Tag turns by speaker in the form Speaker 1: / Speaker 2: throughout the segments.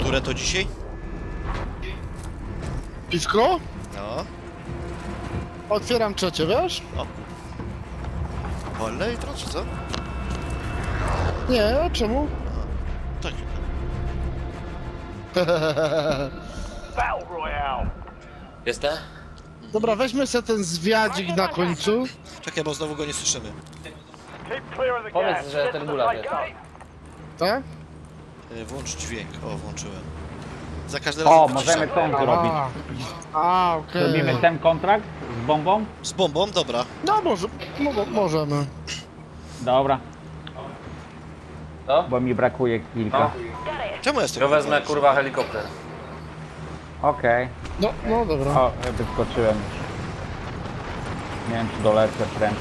Speaker 1: Które to dzisiaj?
Speaker 2: Piwko?
Speaker 1: No.
Speaker 2: Otwieram trzecie, wiesz?
Speaker 1: O. Wolne jutro, czy co?
Speaker 2: Nie, a czemu?
Speaker 1: Tak.
Speaker 3: Battle Royale.
Speaker 4: Jestem?
Speaker 2: Dobra, weźmy sobie ten zwiadzik na końcu.
Speaker 1: Czekaj, bo znowu go nie słyszymy.
Speaker 3: Keep clear of the
Speaker 4: Powiedz,
Speaker 3: gas.
Speaker 4: że
Speaker 3: Get
Speaker 4: ten
Speaker 3: to the
Speaker 4: gulag
Speaker 3: safe
Speaker 4: jest.
Speaker 3: zone.
Speaker 2: Tak?
Speaker 1: Włącz dźwięk. O, włączyłem. Za każdym razem...
Speaker 5: O, możemy ten zrobić.
Speaker 2: Okej.
Speaker 5: Robimy ten kontrakt z bombą?
Speaker 1: Z bombą? Dobra.
Speaker 2: No możemy.
Speaker 5: Dobra,
Speaker 4: To?
Speaker 5: bo mi brakuje kilka.
Speaker 1: Czemu jestem?
Speaker 4: Ja wezmę kurwa helikopter.
Speaker 5: Okej.
Speaker 2: No dobra.
Speaker 5: O, wyskoczyłem już. Nie wiem, czy dolecę prędko.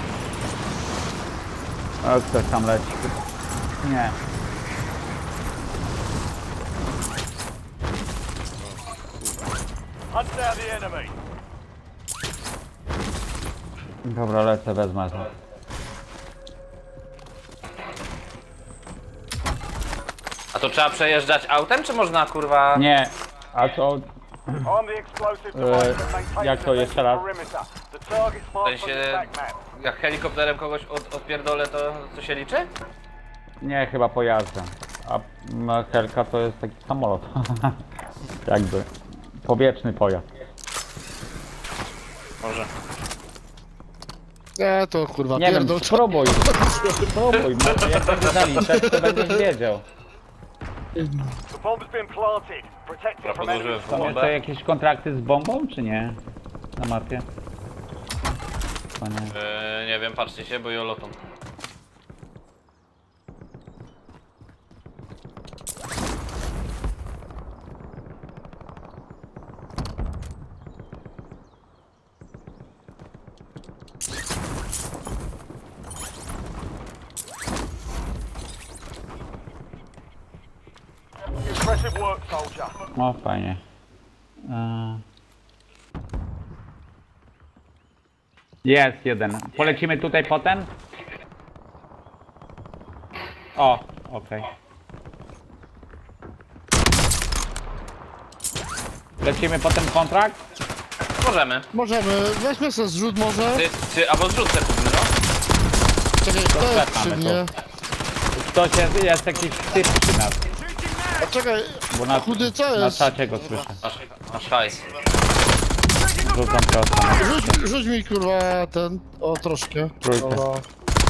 Speaker 5: O, ktoś tam leci. Nie.
Speaker 3: Hunt down the enemy.
Speaker 5: Dobra, lecę, wezmę to.
Speaker 4: A to trzeba przejeżdżać autem, czy można kurwa...
Speaker 5: Nie. A co?
Speaker 3: On the explosive device that maintains
Speaker 5: jak to
Speaker 3: the
Speaker 5: jeszcze raz?
Speaker 3: perimeter. The target's
Speaker 4: W
Speaker 3: marked on the
Speaker 4: sensie,
Speaker 3: attack map.
Speaker 4: jak helikopterem kogoś odpierdolę, to się liczy?
Speaker 5: Nie, chyba pojazdem. A helka to jest taki samolot. Jakby. Powietrzny pojazd.
Speaker 4: Może.
Speaker 2: Nie, to kurwa,
Speaker 5: Nie wiem,
Speaker 2: pierdol.
Speaker 5: spróbuj. Spróbuj, może jak będzie zaliczać, to będziesz wiedział.
Speaker 3: The bomb's been planted. Protect it from enemy
Speaker 4: Podłożyłem
Speaker 5: Są
Speaker 3: squad.
Speaker 5: jeszcze jakieś kontrakty z bombą, czy nie? Na mapie? To nie.
Speaker 4: Nie wiem, patrzcie się, bo jolotą.
Speaker 3: Impressive work, soldier.
Speaker 5: O, fajnie. Jest jeden. Polecimy tutaj potem? O, okej. Lecimy potem kontrakt?
Speaker 4: Możemy.
Speaker 2: Weźmy sobie zrzut może.
Speaker 4: Albo zrzut sobie kupmy, no.
Speaker 2: Czekaj, kto jest
Speaker 5: Czekamy
Speaker 2: przy
Speaker 5: tu.
Speaker 2: mnie?
Speaker 5: Ktoś jest jakiś typ przy nas,
Speaker 2: A czekaj,
Speaker 5: bo na,
Speaker 2: chudy co
Speaker 5: na
Speaker 2: jest?
Speaker 5: czacie go słyszę.
Speaker 4: Masz hajs.
Speaker 5: Rzucam prosto.
Speaker 2: Rzuć mi kurwa ten, o troszkę.
Speaker 5: Trójkę.
Speaker 2: Dobra.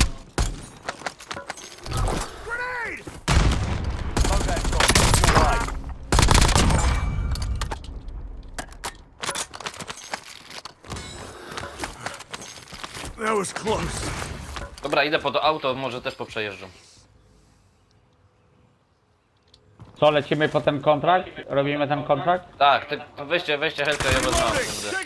Speaker 3: Load that shot. Your way.
Speaker 4: Dobra, idę po to auto, może też poprzejeżdżam.
Speaker 5: Co, lecimy po ten kontrakt? Robimy ten kontrakt?
Speaker 4: Tak, weźcie helkę, ja wezmę auto.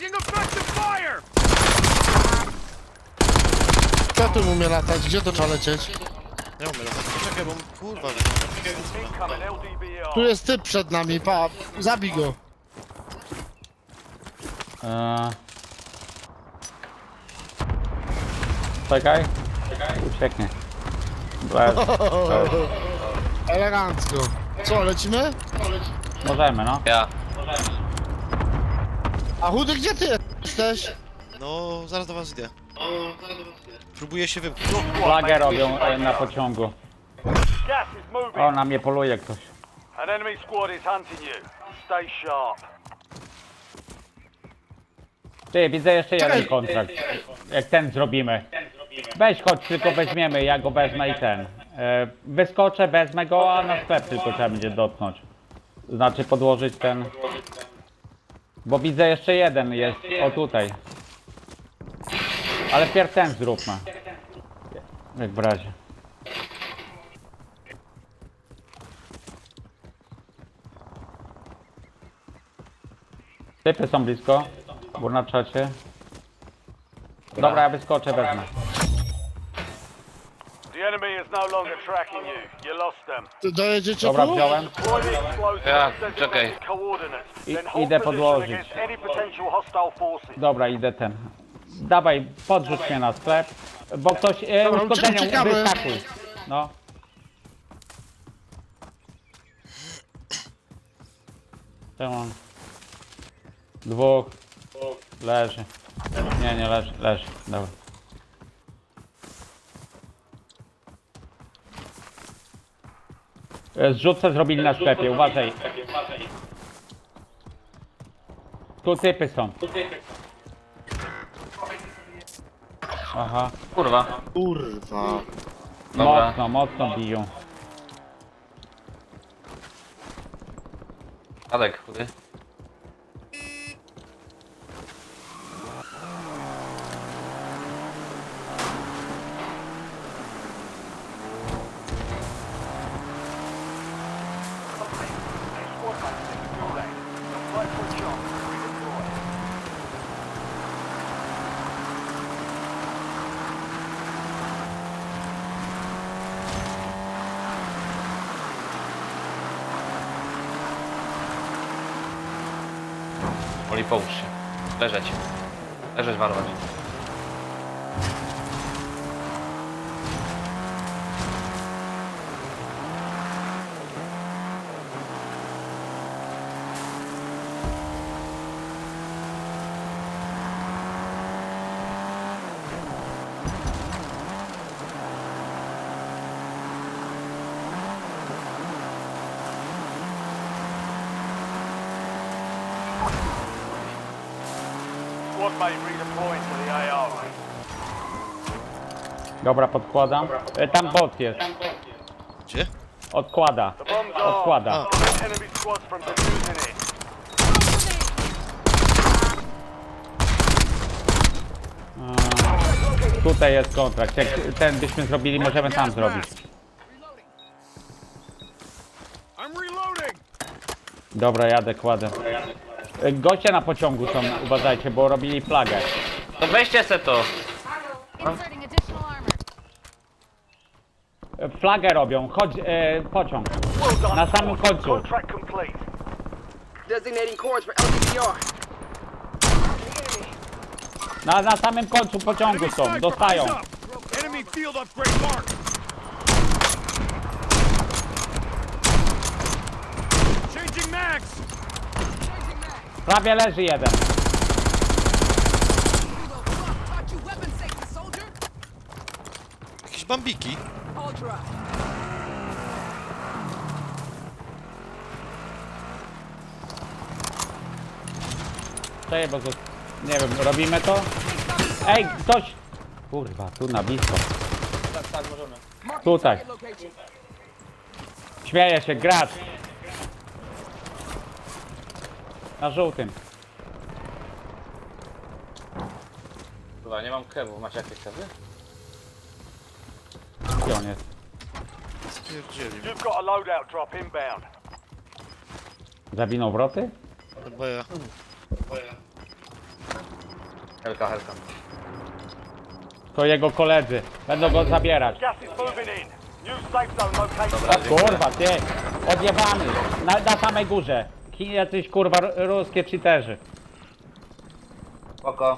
Speaker 2: Kto tu umie latać? Gdzie to trzeba lecieć?
Speaker 1: Nie umiem. Czekaj, bo kurwa...
Speaker 3: Incoming LDBR.
Speaker 2: Tu jest typ przed nami, zabij go.
Speaker 5: Czekaj. Ucieknie. Bez.
Speaker 2: Elegancko. Co, lecimy?
Speaker 5: Możemy, no.
Speaker 4: Ja.
Speaker 2: A chudy, gdzie ty jesteś?
Speaker 1: No, zaraz do was idę. Próbuję się wymknąć.
Speaker 5: Flagę robią na pociągu.
Speaker 3: Gas is moving.
Speaker 5: O, na mnie poluje ktoś.
Speaker 3: An enemy squad is hunting you. Stay sharp.
Speaker 5: Ty, widzę jeszcze jeden
Speaker 2: Czekaj.
Speaker 5: kontrakt. Jak ten zrobimy. Weź chodź, tylko weźmiemy, ja go wezmę i ten. Wyskoczę, wezmę go, a na sklep tylko trzeba będzie dotknąć. Znaczy podłożyć ten. Bo widzę jeszcze jeden jest, o tutaj. Ale pierw ten zróbmy. Jak w razie. Typy są blisko, bo na czacie. Dobra, ja wyskoczę, wezmę.
Speaker 3: The enemy is no longer tracking you. You lost them.
Speaker 2: Ty dojedziecie
Speaker 5: Dobra,
Speaker 2: tu?
Speaker 5: wziąłem.
Speaker 3: Deploy the explosive
Speaker 4: Ja,
Speaker 3: and send
Speaker 4: czekaj.
Speaker 3: direct coordinates.
Speaker 5: I-
Speaker 3: Then hold
Speaker 5: idę
Speaker 3: position
Speaker 5: podłożyć.
Speaker 3: against any potential hostile forces.
Speaker 5: Dobra, idę ten. Dawaj, podrzuć mnie na sklep, bo ktoś
Speaker 2: Dobra,
Speaker 5: uszkodzenia
Speaker 2: uciekamy.
Speaker 5: wyskakuj. No. Czemu? Dwóch. Leży. Nie leży, leży. Dobra. Zrzutce zrobili na sklepie, uważaj. Tu typy są. Aha,
Speaker 4: Kurwa.
Speaker 2: Kurwa.
Speaker 4: Dobra.
Speaker 5: mocno biją.
Speaker 4: Adek, chudy.
Speaker 3: Squad mates in the gulag. They'll fight for a chance to redeploy.
Speaker 4: Oli, połóż się. Leżeć. Leżeć, warować.
Speaker 3: Squad mate redeploying to the AO.
Speaker 5: Dobra, podkładam. Tam bot jest.
Speaker 1: Gdzie?
Speaker 5: Odkłada.
Speaker 3: The bomb's
Speaker 5: Odkłada.
Speaker 3: armed. Prevent enemy squads from defusing it.
Speaker 5: Tutaj jest kontrakt. Jak ten byśmy zrobili, możemy tam zrobić.
Speaker 3: I'm reloading.
Speaker 5: Dobra, jadę, kładę. Goście na pociągu są, uważajcie, bo robili flagę.
Speaker 4: To weźcie se to.
Speaker 6: Inserting additional armor.
Speaker 5: Flagę robią, chodź, pociąg.
Speaker 3: Well done.
Speaker 5: Na samym
Speaker 3: squad.
Speaker 5: końcu.
Speaker 3: Contract complete.
Speaker 7: Designating course for LTPR.
Speaker 5: Na samym końcu pociągu są, dostają.
Speaker 3: Enemy field upgrade marked. Changing mags.
Speaker 5: Prawie leży jeden.
Speaker 1: Jakieś bambiki.
Speaker 5: Czekaj, bo nie wiem, robimy to? Ej, ktoś! Kurwa, tu na blisko. Tutaj. Śmieje się, gracz. Na żółtym.
Speaker 4: Kurwa, nie mam kewów. Macie jakieś kewy?
Speaker 5: Gdzie on jest?
Speaker 1: Spierdzieli.
Speaker 3: You've got a loadout drop inbound.
Speaker 5: Zawinął wroty?
Speaker 1: Chyba ja.
Speaker 4: Helka, helka.
Speaker 5: To jego koledzy. Będą go zabierać.
Speaker 3: Gas is moving in. New safe zone located.
Speaker 4: Dobra,
Speaker 5: Kurwa, ty! Odjebany! Na samej górze. Jacyś kurwa ruskie cheaterzy.
Speaker 4: Spoko.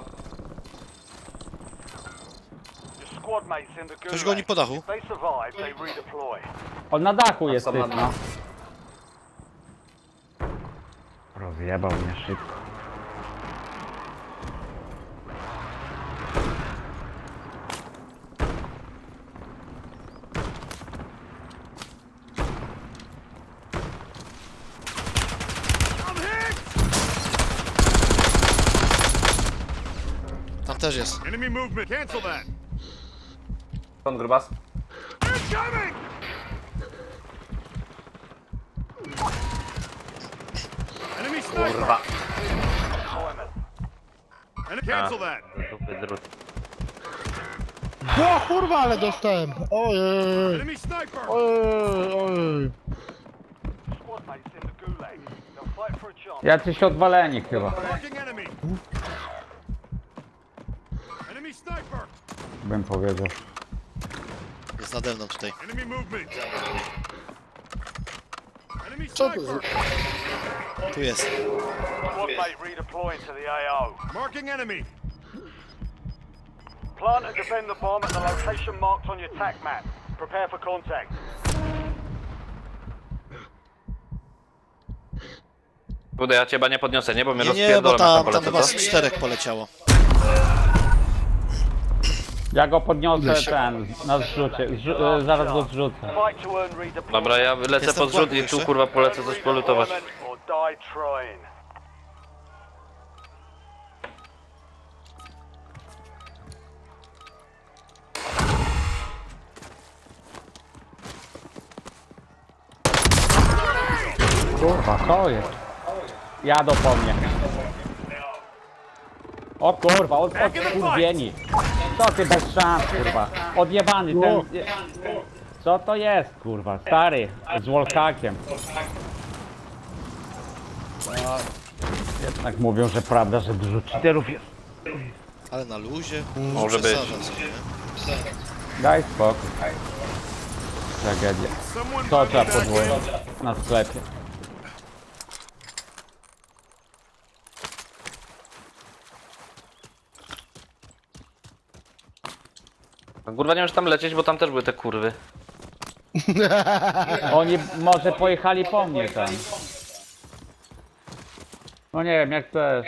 Speaker 3: Your squad mates in the gulag.
Speaker 1: Ktoś goni po dachu.
Speaker 3: If they survive, they redeploy.
Speaker 5: On na dachu jest
Speaker 4: Są
Speaker 5: typ,
Speaker 4: na
Speaker 5: no. Rozjebał mnie szybko.
Speaker 1: Tam też jest.
Speaker 3: Enemy movement. Cancel that.
Speaker 4: Skąd grubas?
Speaker 3: Incoming! Enemy sniper.
Speaker 4: Kurwa.
Speaker 3: And cancel that.
Speaker 4: Dupy drut.
Speaker 2: O kurwa, ale dostałem. Ojej.
Speaker 3: Enemy sniper.
Speaker 2: Ojej.
Speaker 3: Squad mates in the gulag. They'll fight for a chance.
Speaker 5: Jacyś odwaleni chyba.
Speaker 3: Marking enemy. Enemy sniper.
Speaker 5: Bym powiedział.
Speaker 1: Jest nade mną tutaj.
Speaker 3: Enemy movement. Enemy
Speaker 2: Co to
Speaker 3: sniper.
Speaker 1: Tu jest.
Speaker 3: Squad mate redeploying to the AO. Marking enemy. Plant and defend the bomb at the location marked on your TAC map. Prepare for contact.
Speaker 4: Kurde, ja cię chyba nie podniosę, nie? Bo mnie
Speaker 1: Nie, bo
Speaker 4: rozpierdolą,
Speaker 1: tam
Speaker 4: polecę,
Speaker 1: chyba
Speaker 4: co?
Speaker 1: z 4 poleciało.
Speaker 5: Ja go podniosę na zrzucie, zaraz go zrzucę.
Speaker 3: Fight to earn redeployment.
Speaker 4: Dobra, ja lecę
Speaker 1: Jestem
Speaker 4: pod zrzut i
Speaker 1: w
Speaker 4: tu
Speaker 1: jeszcze.
Speaker 4: kurwa polecę coś polutować.
Speaker 3: Or die trying.
Speaker 5: Kurwa, co jest? Jadą po mnie. O kurwa, od kurwieni. Co ty bez szans, kurwa. Odjebany ten... Co to jest, kurwa? Stary, z wallhackiem. No, jednak mówią, że prawda, że dużo cheaterów jest.
Speaker 1: Ale na luzie.
Speaker 4: Może być.
Speaker 1: Przesadza sobie, nie?
Speaker 5: Daj spokój. Tragedia. Co trzeba podwoić na sklepie?
Speaker 4: Kurwa, nie wiem, czy tam lecieć, bo tam też były te kurwy.
Speaker 5: Oni może pojechali po mnie tam. No nie wiem, jak chcesz.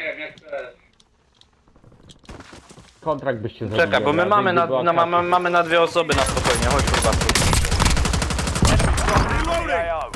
Speaker 5: Kontrakt byście zrobili.
Speaker 4: Czekaj, bo my
Speaker 5: od razu,
Speaker 4: mamy
Speaker 5: gdyby była karta.
Speaker 4: mamy na 2 osoby na spokojnie, chodź kurwa.
Speaker 3: AO.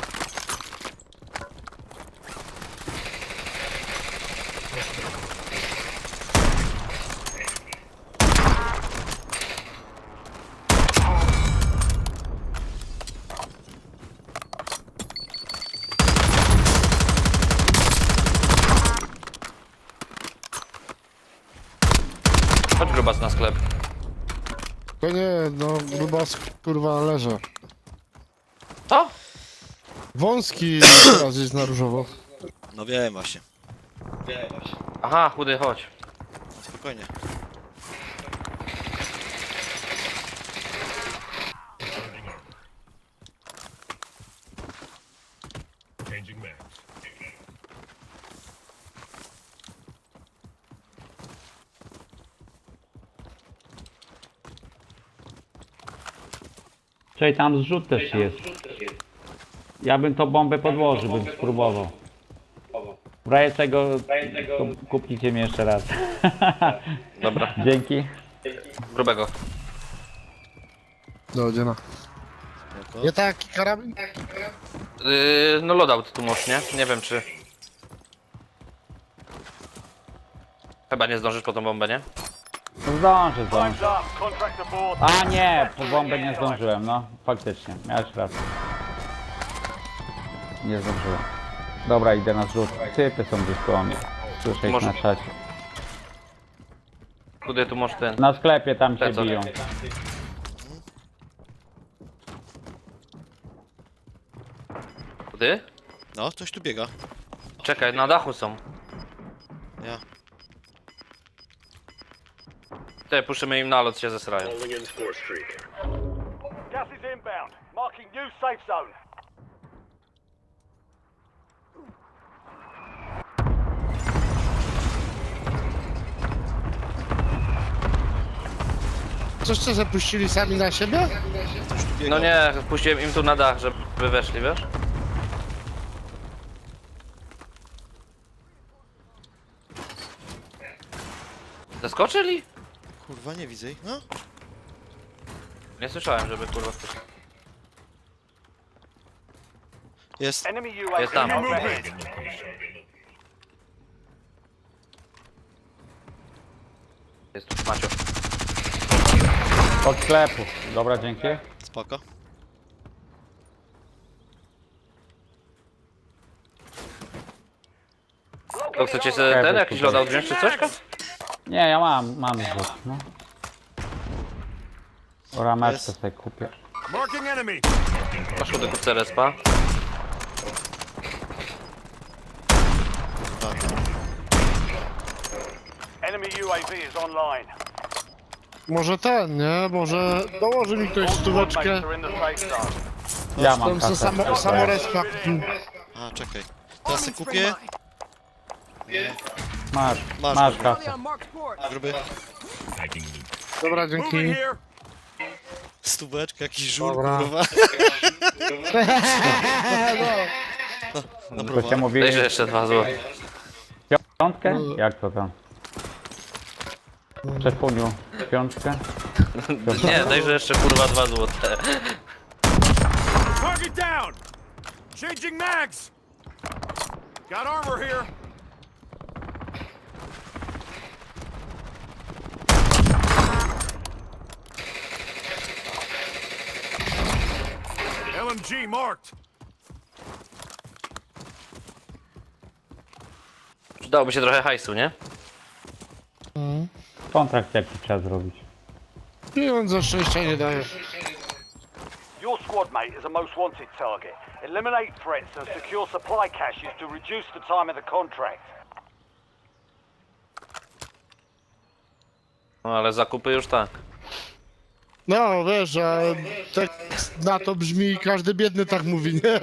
Speaker 4: Chodź grubas na sklep.
Speaker 2: To nie, no grubas kurwa leży.
Speaker 4: Co?
Speaker 2: Wąski teraz jest na różowo.
Speaker 1: No wiem właśnie.
Speaker 4: Aha, chudy, chodź.
Speaker 1: Spokojnie.
Speaker 5: Czyli tam zrzut też jest. Ja bym tą bombę podłożył, bym spróbował. W razie czego to kupicie mnie jeszcze raz.
Speaker 4: Dobra,
Speaker 5: Dzięki.
Speaker 4: grubego.
Speaker 2: Do dziena. Nie taki karabin?
Speaker 4: No loadout tu masz, nie? Nie wiem czy... Chyba nie zdążysz po tą bombę, nie?
Speaker 5: Zdążę.
Speaker 3: Time's up. Contract aboard.
Speaker 5: A nie, po bombę nie zdążyłem, no. Faktycznie, miałeś rację. Nie zdążyłem. Dobra, idę na zrzut. Typy są gdzieś koło mnie. Słyszę ich
Speaker 4: Może-
Speaker 5: na czacie.
Speaker 4: Chudy, tu masz ten...
Speaker 5: Na sklepie tam się
Speaker 4: Plecak.
Speaker 5: biją.
Speaker 4: Chudy?
Speaker 1: No, ktoś tu biega.
Speaker 4: Czekaj, na dachu są.
Speaker 1: Ja.
Speaker 4: Te puszymy im nalot, się zesrają.
Speaker 3: Gas is inbound. Marking new safe zone.
Speaker 2: Coś co zapuścili sami na siebie?
Speaker 1: Ktoś tu biega.
Speaker 4: No nie, puściłem im tu na dach, żeby weszli, wiesz? Zaskoczyli?
Speaker 1: Kurwa, nie widzę ich. No.
Speaker 4: Nie słyszałem, żeby kurwa ktoś...
Speaker 1: Jest.
Speaker 3: Enemy UAV
Speaker 4: Jest tam.
Speaker 3: overhead.
Speaker 4: Jest tu Macio.
Speaker 5: Od sklepu. Dobra, dzięki.
Speaker 1: Spoko.
Speaker 4: To chcecie sobie ten jakiś loadout wziąć czy coś?
Speaker 5: Nie, ja mam zrzut, no. Rameczkę
Speaker 1: Jest.
Speaker 5: sobie kupię.
Speaker 4: Masz chudy kupce respa.
Speaker 1: Kurwa.
Speaker 3: Enemy UAV is online.
Speaker 2: Może ten, nie? Może dołoży mi ktoś stóweczkę.
Speaker 3: Mates are in the safe zone.
Speaker 5: Ja mam
Speaker 2: Tam co
Speaker 5: kasę.
Speaker 2: samorespa.
Speaker 1: A, czekaj. Teraz sobie kupię.
Speaker 5: Masz,
Speaker 1: Masz,
Speaker 5: masz
Speaker 1: kurwa.
Speaker 5: kasę.
Speaker 1: Gruby.
Speaker 2: Dobra, dzięki.
Speaker 1: Stóweczka, jakiś żur,
Speaker 2: Dobra.
Speaker 1: kurwa.
Speaker 2: No.
Speaker 1: Na
Speaker 5: To się
Speaker 1: browar.
Speaker 5: mówi
Speaker 4: Dajże jeszcze 2 zł.
Speaker 5: piątkę? Jak to tam? Czerwoniu, piątkę?
Speaker 4: Nie, dajże jeszcze kurwa 2 zł.
Speaker 3: Target down! Changing mags! Got armor here! LMG marked!
Speaker 4: Przydałoby się trochę hajsu, nie?
Speaker 5: Kontrakt jaki trzeba zrobić.
Speaker 2: Pieniądze szczęścia nie daje.
Speaker 3: Your squad mate is a most wanted target. Eliminate threats and secure supply caches to reduce the time of the contract.
Speaker 4: No ale zakupy już tak.
Speaker 2: No wiesz, a tak na to brzmi każdy biedny tak mówi, nie?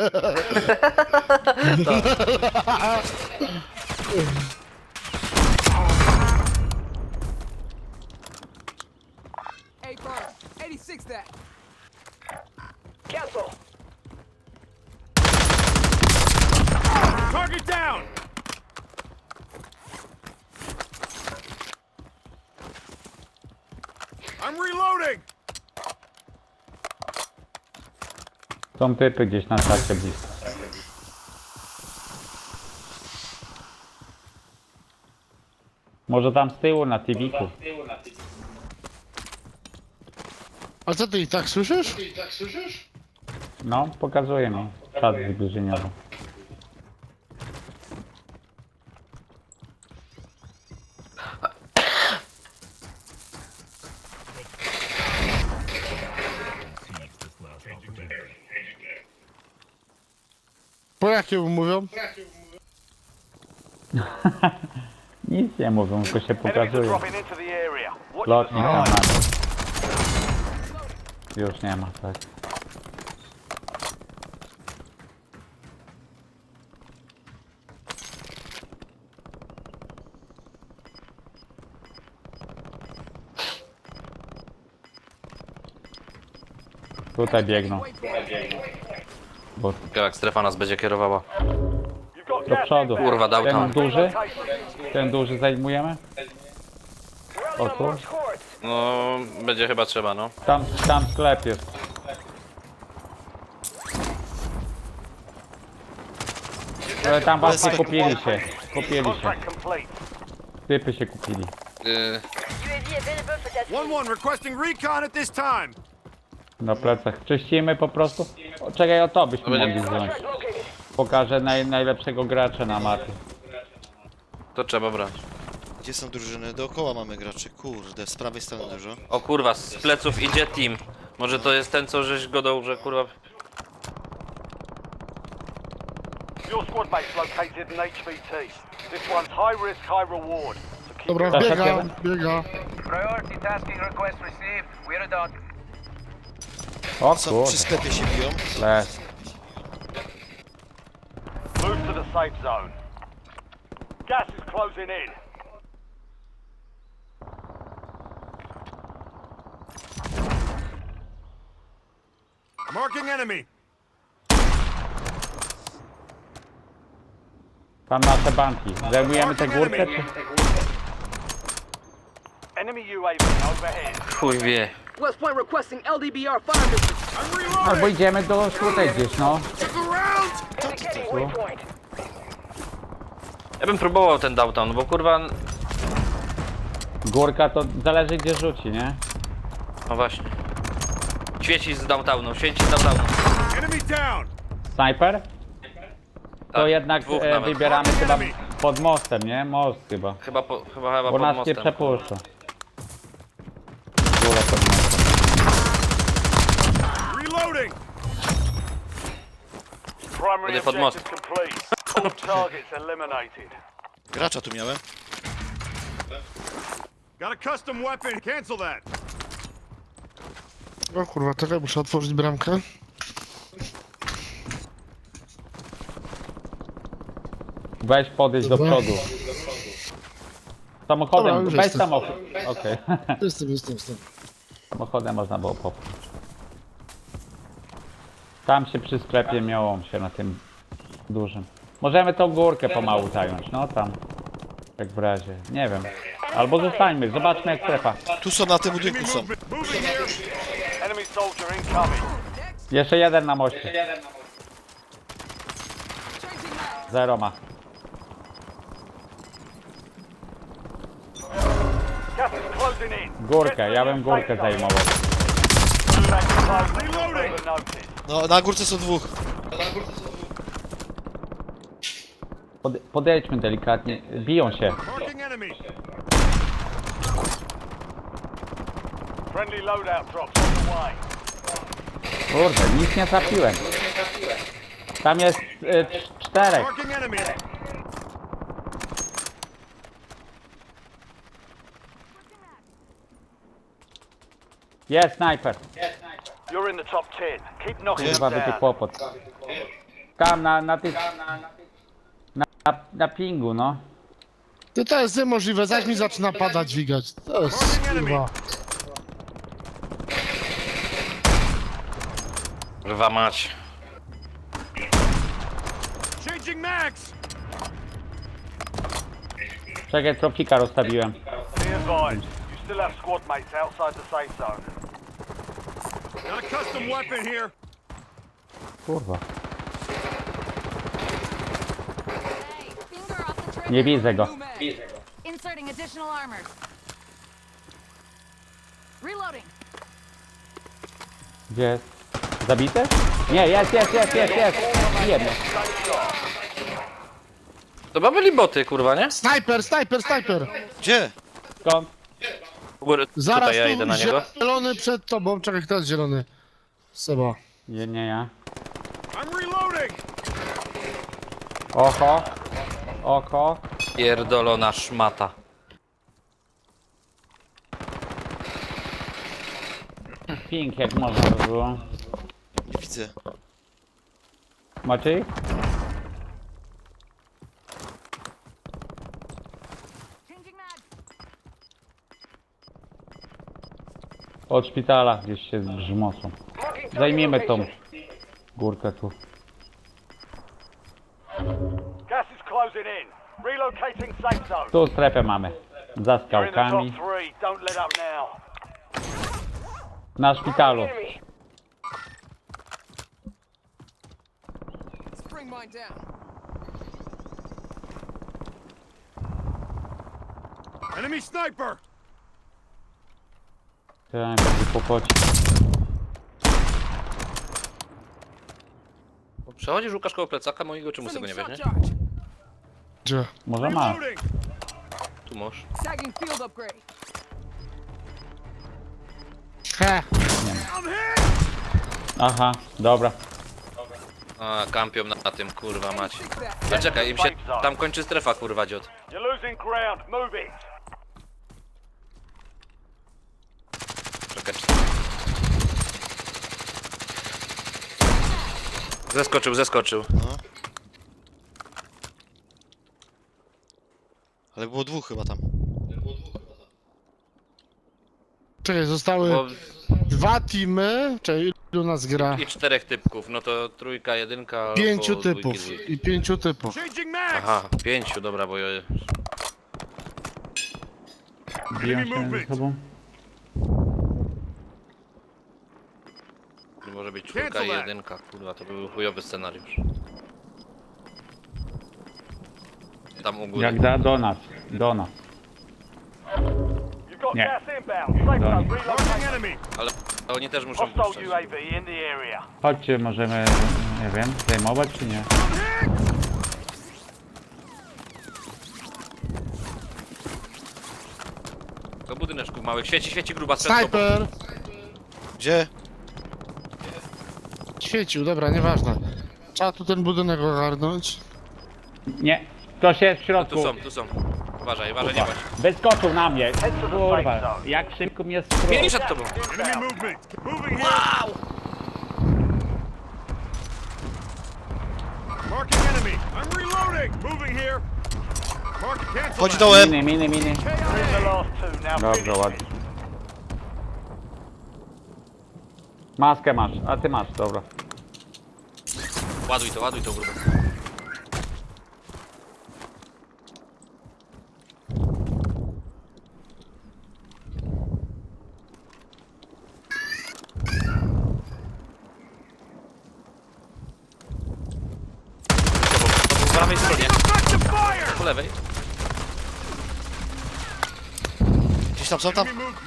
Speaker 7: Hey, Bird. 86 that. Cancel.
Speaker 3: Target down! I'm reloading!
Speaker 5: Są typy gdzieś na czacie blisko. Może tam z tyłu na TV-ku.
Speaker 2: A co ty i tak słyszysz?
Speaker 5: No, pokazuje mi. Czat zbliżeniowy.
Speaker 2: Po jakiemu mówią?
Speaker 5: Nic nie mówią, tylko się
Speaker 3: Enemies are
Speaker 5: pokazuje.
Speaker 3: dropping into the area. Watch
Speaker 5: Lotnik
Speaker 3: the
Speaker 5: tam
Speaker 3: skies.
Speaker 5: ma. Już nie ma, tak. Tutaj biegną. Bo
Speaker 4: Jak strefa nas będzie kierowała.
Speaker 3: You've got
Speaker 5: do
Speaker 3: gas
Speaker 5: przodu.
Speaker 3: inbound.
Speaker 4: Kurwa, dał
Speaker 5: Ten
Speaker 4: tam.
Speaker 5: duży? Ten duży zajmujemy? O tu?
Speaker 4: No, będzie chyba trzeba, no.
Speaker 5: Tam sklep jest. Ale tam właśnie kupili się. Kupili się.
Speaker 3: Contract complete.
Speaker 5: Typy się kupili.
Speaker 3: One requesting recon at this time.
Speaker 5: Na plecach. Czyścimy po prostu. O, czekaj, o to byśmy mogli wziąć. Pokażę najlepszego gracza na mapie.
Speaker 4: To trzeba brać.
Speaker 1: Gdzie są drużyny? Dookoła mamy graczy. Kurde, z prawej strony dużo.
Speaker 4: O kurwa, z pleców idzie team. Może to jest ten, co żeś godał, że kurwa...
Speaker 3: Your squad mate's located in HVT. This one's high risk, high reward. So keep
Speaker 2: Dobra,
Speaker 5: Tak,
Speaker 2: biega,
Speaker 5: tak,
Speaker 2: biega.
Speaker 8: Priority tasking request received. We're done.
Speaker 5: O
Speaker 1: Są
Speaker 5: kurde.
Speaker 1: przy sklepie się biją.
Speaker 5: Les.
Speaker 3: move to the safe zone. Gas is closing in. Marking enemy.
Speaker 5: Tam nasze banki. Zajmujemy tę górkę czy...
Speaker 3: Enemy UAV overhead.
Speaker 4: Chuj wie.
Speaker 7: West Point requesting LDBR fire mission.
Speaker 3: I'm reloading.
Speaker 5: Albo idziemy do tutaj gdzieś, no.
Speaker 3: Look around.
Speaker 7: Indicating waypoint.
Speaker 4: Ja bym próbował ten downtown, no bo kurwa...
Speaker 5: Górka to zależy gdzie rzuci, nie?
Speaker 4: No właśnie. Świeci z downtownu, świeci z downtownu.
Speaker 3: Enemy down.
Speaker 5: Snajper? To
Speaker 4: Tak,
Speaker 5: jednak
Speaker 4: dwóch nawet.
Speaker 5: wybieramy chyba pod mostem, nie? Most chyba.
Speaker 4: Chyba
Speaker 5: Bo
Speaker 4: pod
Speaker 5: nas nie
Speaker 4: mostem.
Speaker 5: przepuszcza. Góra pod mostem.
Speaker 3: Reloading. Primary
Speaker 4: Będzie pod most.
Speaker 3: objective complete. All targets eliminated.
Speaker 1: Gracza tu miałem.
Speaker 3: Got a custom weapon. Cancel that.
Speaker 2: O kurwa, czekaj, muszę otworzyć bramkę.
Speaker 5: Weź podejść do
Speaker 2: Dobra.
Speaker 5: przodu. Samochodem,
Speaker 2: Dobra, już
Speaker 5: weź
Speaker 2: jestem.
Speaker 5: samochód. Okej.
Speaker 2: Jestem.
Speaker 5: Samochodem można było popchnąć. Tam się przy sklepie miało się na tym Dużym. Możemy tą górkę pomału zająć, no tam. Jak w razie, nie wiem. Albo zostańmy, zobaczmy jak strefa.
Speaker 1: Tu są, na tym budynku są.
Speaker 3: Enemy soldier incoming.
Speaker 5: Jeszcze jeden na moście. Zero ma.
Speaker 3: Gas is closing in.
Speaker 5: Górkę, ja bym górkę zajmował.
Speaker 1: No, na górce są dwóch.
Speaker 5: Podejdźmy delikatnie, biją się.
Speaker 3: Friendly loadout drops on the way.
Speaker 5: Kurde, nic nie trafiłem. Tam jest czterech. Jest snajper.
Speaker 3: You're in the top 10. Keep knocking them
Speaker 5: Chyba by ty
Speaker 3: down.
Speaker 5: kłopot. Tam na tych... Na pingu, no.
Speaker 2: To jest niemożliwe, zaś mi zaczyna padać dźwigać. To jest kurwa.
Speaker 4: Kurwa mać.
Speaker 5: Czekaj, tropika rozstawiłem.
Speaker 3: Be advised, you still have squad mates outside the safe zone.
Speaker 5: Kurwa.
Speaker 6: Hey, finger off the trigger.
Speaker 5: Nie widzę go.
Speaker 6: Inserting additional armor. Reloading.
Speaker 5: Gdzie jest? Zabity? Nie, jest. Bije mnie.
Speaker 4: To chyba byli boty, kurwa, nie?
Speaker 2: Snajper, snajper, snajper!
Speaker 1: Gdzie?
Speaker 5: Skąd?
Speaker 4: U góry,
Speaker 2: Zaraz
Speaker 4: tutaj ja idę na
Speaker 2: tu
Speaker 4: niego.
Speaker 2: zielony przed tobą. Czekaj, kto jest zielony? Seba.
Speaker 5: Nie ja. Oko. Oko.
Speaker 4: Pierdolona szmata.
Speaker 5: Pink jak można by było.
Speaker 1: Nie widzę.
Speaker 5: Macie ich?
Speaker 6: Changing mag.
Speaker 5: Od szpitala gdzieś się grzmocą. Zajmijmy tą górkę tu.
Speaker 3: Gas is closing in. Relocating safe zone.
Speaker 5: Tu strefę mamy. Za
Speaker 3: You're in the top
Speaker 5: skałkami.
Speaker 3: 3. Don't let up now.
Speaker 5: Na szpitalu.
Speaker 7: Let's bring mine down.
Speaker 5: Chciałem będzie kłopocić.
Speaker 4: Przechodzisz Łukasz koło plecaka mojego, czemu sobie nie
Speaker 7: Sending
Speaker 4: weźmie?
Speaker 7: shot charge.
Speaker 2: Gdzie?
Speaker 5: Może ma.
Speaker 4: Tu możesz.
Speaker 7: Sagging field upgrade.
Speaker 2: He.
Speaker 5: Aha, dobra.
Speaker 4: A, kampią na tym, kurwa mać.
Speaker 7: Fix that.
Speaker 4: No czekaj, im się tam kończy strefa, kurwa dziot.
Speaker 3: You're losing ground. Move it.
Speaker 4: Czekaj. Zeskoczył.
Speaker 1: No. Ale było dwóch chyba tam.
Speaker 2: Czekaj, zostały
Speaker 4: Bo...
Speaker 2: dwa teamy. Czekaj, ilu nas gra?
Speaker 4: I 4 typków, no to trójka, jedynka.
Speaker 2: 5
Speaker 4: albo dwójki,
Speaker 2: typów.
Speaker 4: dwójki.
Speaker 2: I 5 typów.
Speaker 4: Aha, 5, dobra, bo ja...
Speaker 5: Biją się ze sobą.
Speaker 4: Może być czwórka i jedynka, kurwa, to był chujowy scenariusz. Tam u góry.
Speaker 5: Jak da do nas. Do nas.
Speaker 3: You've got
Speaker 5: Nie.
Speaker 3: gas inbound. Safe zone
Speaker 5: Done.
Speaker 3: relocated.
Speaker 4: Ale oni też muszą
Speaker 3: Hostile
Speaker 4: puszczać.
Speaker 3: UAV in the area.
Speaker 5: Chodźcie, możemy, nie wiem, zajmować czy nie?
Speaker 4: Do budyneczków małych. Świeci gruba przed tobą.
Speaker 2: Snajper!
Speaker 1: Gdzie?
Speaker 2: Świecił, dobra, nieważne. Trzeba tu ten budynek ogarnąć.
Speaker 5: Nie. Ktoś jest w środku.
Speaker 4: Tu są. Uważaj, nie bądź.
Speaker 5: Wyskoczył na mnie.
Speaker 3: Head to the
Speaker 5: Kurwa,
Speaker 3: safe zone.
Speaker 5: jak szybko mnie skrócił.
Speaker 4: Mieli przed tobą.
Speaker 1: Chodź dołem!
Speaker 5: Miny.
Speaker 3: Win the last two. Now
Speaker 5: Dobrze,
Speaker 3: finish
Speaker 5: ładnie. Maskę masz, a ty masz, dobra.
Speaker 4: Ładuj to grubę. prawej stronie. Po lewej.
Speaker 1: Gdzieś tam są tam?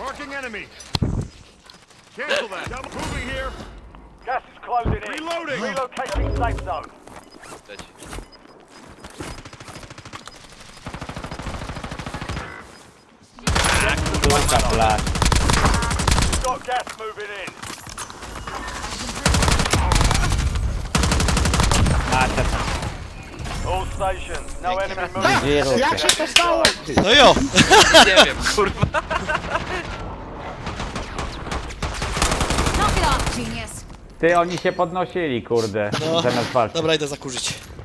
Speaker 3: Gas is closing in. Relocating safe zone.
Speaker 4: Leci.
Speaker 5: Kurka, flash.
Speaker 3: Got gas moving in.
Speaker 5: Macie.
Speaker 3: All stations, no enemy moving.
Speaker 5: Wirus.
Speaker 2: Jak się to stało?
Speaker 1: No jo!
Speaker 4: Nie wiem, kurwa.
Speaker 6: Knock it off, genius.
Speaker 5: Ty, oni się podnosili, kurde.
Speaker 1: No.
Speaker 5: Zamiast walczyć.
Speaker 1: Dobra, idę zakurzyć.